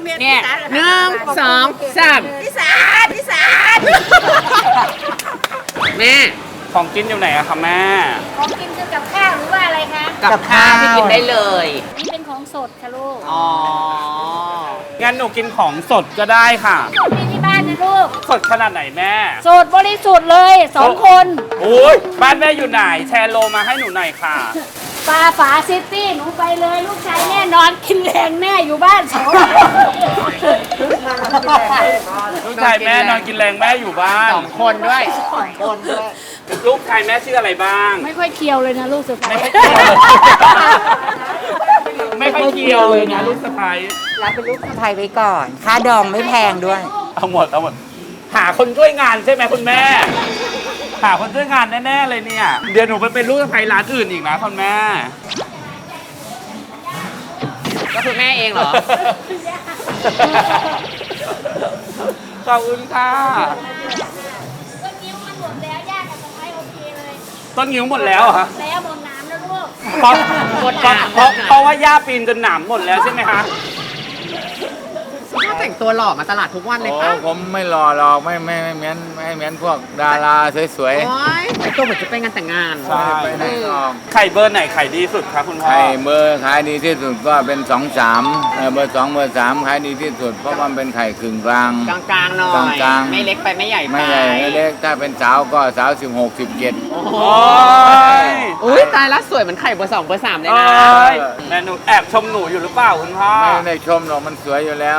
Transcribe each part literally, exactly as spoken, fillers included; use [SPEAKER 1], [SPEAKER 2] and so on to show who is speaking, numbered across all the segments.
[SPEAKER 1] เนี่ยหนึ่งสองสามพิสานพิสานแม่
[SPEAKER 2] ของกินอยู่ไหนอะคะแม่
[SPEAKER 3] ของกินคือกับข้าวหรือว่าอะไรคะ
[SPEAKER 1] กับข้าวที่กินได้เลย
[SPEAKER 3] นี่เป็นของสดค่ะลูก
[SPEAKER 2] อ๋องั้นหนูกินของสดก็ได้ค่ะ
[SPEAKER 3] สดมีที่บ้านนะลูก
[SPEAKER 2] สดขนาดไหนแม่
[SPEAKER 3] สดบริสุทธิ์เลยสองคน
[SPEAKER 2] โอ้ยบ้านแม่อยู่ไหนแชร์โลมาให้หนูหน่อยค่ะ
[SPEAKER 3] ปลาฝาซิตี้หนูไปเลยลูกชายแน่นอนกินแรงแม่อยู่บ้านสอง
[SPEAKER 2] ลูกชายแม่นอนกินแรงแม่อยู่บ้าน
[SPEAKER 1] สองคนด้วยสองคนด้วย
[SPEAKER 2] ลูกชายแม่ชื่ออะไรบ้าง
[SPEAKER 3] ไม่ค่อยเคียวเลยนะลูกสะใภ้
[SPEAKER 2] ไม่ค่อยเคียวเลยนะลูกสะใภ้
[SPEAKER 1] รับเป็นลูกสะใภ้ไว้ก่อนค่าดองไม่แพงด้วย
[SPEAKER 2] เอาหมดเอาหมดหาคนช่วยงานใช่ไหมคุณแม่หาคนช่วยงานแน่ๆเลยเนี่ยเดี๋ยวหนูไปเป็นลูกสะใภ้ร้านอื่นอีกนะคุณแม่
[SPEAKER 1] ก็คือแม่เองเหรอ
[SPEAKER 2] ขอบคุณค่ะ
[SPEAKER 3] ต้นนิ้วมันหมดแล้วย่ากับสะใภ้โอเคเลย
[SPEAKER 2] ต้นนิ้วหมดแล้วเหรอคะ
[SPEAKER 3] แล้วหมดน้ำแล้วลูก
[SPEAKER 2] เพราะเพราะเพราะว่าย่าปีนจนหนามหมดแล้วใช่ไหมคะ
[SPEAKER 1] ถ้าแต่งตัวหล่อมาตลาดทุกวันเลยป่ะ
[SPEAKER 4] ผมไม่หล่อหรอกไม่ไม่ไม่เหมือนไม่เหมือนพวกดาราสวย
[SPEAKER 1] ๆโอ้ยแต่ตัวเหมือนจะไปงานแต่งงาน
[SPEAKER 2] ใช่
[SPEAKER 4] ไปไหนหรอก
[SPEAKER 2] ไข่เบอร์ไหนไข่ดีสุดครับคุณพ่อ
[SPEAKER 4] ไข่เบอร์ขายดีที่สุดก็เป็นสองสามเบอร์สองเบอร์สามขายดีที่สุดเพราะมันเป็นไข่กึ่งกลาง
[SPEAKER 1] กลางๆหน่อย
[SPEAKER 4] กลางๆ
[SPEAKER 1] ไม่เล็กไปไม่ใหญ่ไป
[SPEAKER 4] ไม่ใหญ่ไม่เล็กถ้าเป็นสาวก็สาวสิบหกสิบเจ็ด
[SPEAKER 2] โอ้
[SPEAKER 1] ยอุ้ยตายละสวยเหมือนไข่เบอร์สองเบอร์สามเลยนะ
[SPEAKER 2] แม่หนูแอบชมหนูอยู่หรือเปล่าคุณพ่อ
[SPEAKER 4] ไม่ได้ชมหรอกมันสวยอยู่แล้ว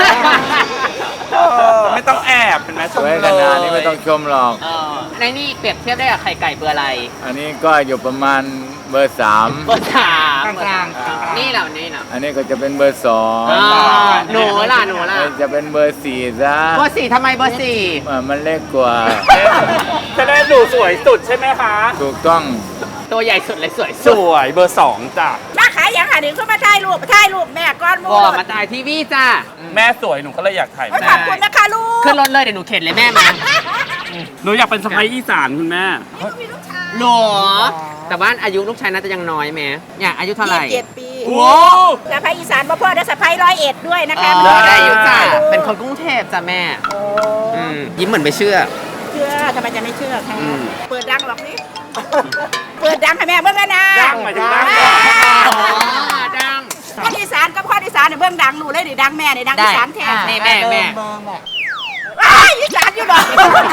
[SPEAKER 2] ไม่ต้องแอบเป็นไหม
[SPEAKER 4] สวยขนาดนี้ไม่ต้องชมหรอก
[SPEAKER 1] ในนี่เปรียบเทียบได้กับไข่ไก่เบอร์อะไร
[SPEAKER 4] อันนี้ก็อยู่ประมาณเบอร์สาม
[SPEAKER 1] เบอร์สามกลางๆนี่เหล่านี้นะ
[SPEAKER 4] อันนี้ก็จะเป็นเบอร์สอง
[SPEAKER 1] หนูล่ะหนูล่ะ
[SPEAKER 4] จะเป็นเบอร์สี่ซะ
[SPEAKER 1] เบอร์สี่ทำไมเบอร์สี่
[SPEAKER 4] มันเล็กกว่า
[SPEAKER 2] จะได้หนูสวยสุดใช่ไหมคะ
[SPEAKER 4] ถูกต้อง
[SPEAKER 1] ตัวใหญ่สุดเลยสวย
[SPEAKER 2] สวยเบอร์สองจ้ะ
[SPEAKER 3] มาขายอย่างหาหนึ่งเข้ามาถ่ายรูปถ่ายรูปแม่ก้อนมู
[SPEAKER 1] บอกมาถ่ายทีวีจ้า
[SPEAKER 2] แม่สวยหนูก็เลยอยากถ่ายแม่
[SPEAKER 3] ขอบคุณนะคะลูก
[SPEAKER 1] ขึ้นรถเลยเดี๋ยวหนูเข็นเลยแม่มา
[SPEAKER 2] หนูอยากเป็นสะใภ้อีสานคุณแม่
[SPEAKER 1] หรอแต่ว่าอายุลูกชายน่าจะยังน้อยแม่อยากอายุเท่าไหร่
[SPEAKER 3] เจ็ดปี
[SPEAKER 2] โอ้
[SPEAKER 3] สะใภ้อีสานพ่อได้สะใภ้ร้อยเอ็ดด้วยนะคะ
[SPEAKER 1] ได้อายุจ้าเป็นคนกรุงเทพจ้ะแม่ยิ้มเหมือนไม่เชื่อ
[SPEAKER 3] เชื่อทำไมจะไม่เชื่อคะเปิดดังหรอกนี่เปิดดังให้แม่เบื้องกันนะ
[SPEAKER 2] ดังหมายถึงดัง
[SPEAKER 1] ดัง
[SPEAKER 3] ข้ออีสานกับข้ออีสานเนี่ยเบื้องดังหนูเลยดิดังแม่เนี่ยดังอีสานแท้
[SPEAKER 1] นี่แม่แม่
[SPEAKER 3] อ้าอีสานอยู่หรอ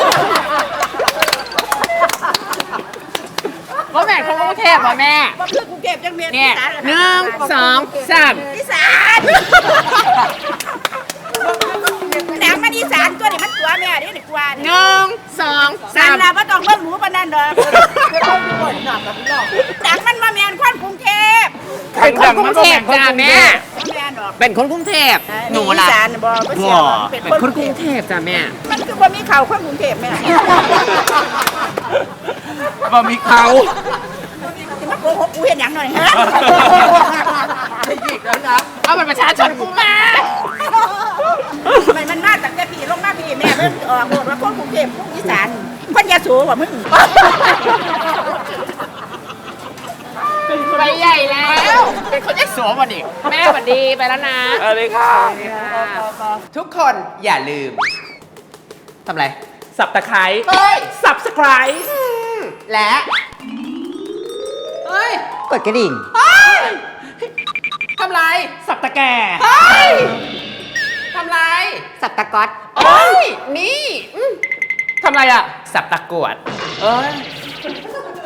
[SPEAKER 1] ว่าแม่เขากรุงเทพว่าแม่
[SPEAKER 3] ว่าเพื่อกรุงเทพยังเมีย
[SPEAKER 1] เนี่ยหนึ่งสองสาม
[SPEAKER 3] อีสานดังมันอีสานตัวนี้มันตัวแม่นี่นี่กว่า
[SPEAKER 1] หนึ่งสองสาม
[SPEAKER 3] เราไม่ต้องเบิ่งหนูปานนั้นเด้อดังมันมาแม่นคนกรุงเทพ
[SPEAKER 1] เป็นคนกรุงเทพจ้าแม่เป็นคนกรุงเทพหนูล่ะเป็นคนกรุงเทพจ้าแม่
[SPEAKER 3] มันคือบ่มีเขาคนกรุงเทพแม่
[SPEAKER 2] บ่มีเขา
[SPEAKER 3] จะมาโกหกกูเห็นอย่างหน่อยฮะ
[SPEAKER 1] เอาบัตรประชาชนกูมา
[SPEAKER 3] มันมันมาจากแต่พี่ลงมาพี่แม่เพิ่งออกโหดว่าคนกรุงเทพคนอีสานคนยะโสว่ามึง
[SPEAKER 1] ไปใหญ่แล้วเป็นคนยะโสมาดิแม่สวัสดีไปแล้วนะ
[SPEAKER 2] อะไรค่ะ
[SPEAKER 1] ทุกคนอย่าลืมทำไร
[SPEAKER 2] สับตะไคร้สับสไครต์
[SPEAKER 1] และเฮ้ยกดกระดิ่งทำไร
[SPEAKER 2] สับตะแก่
[SPEAKER 1] ทำไรสับตะก๊อตเอ้ยนี่ทำไรอ่ะสับตะกวดเอ้ย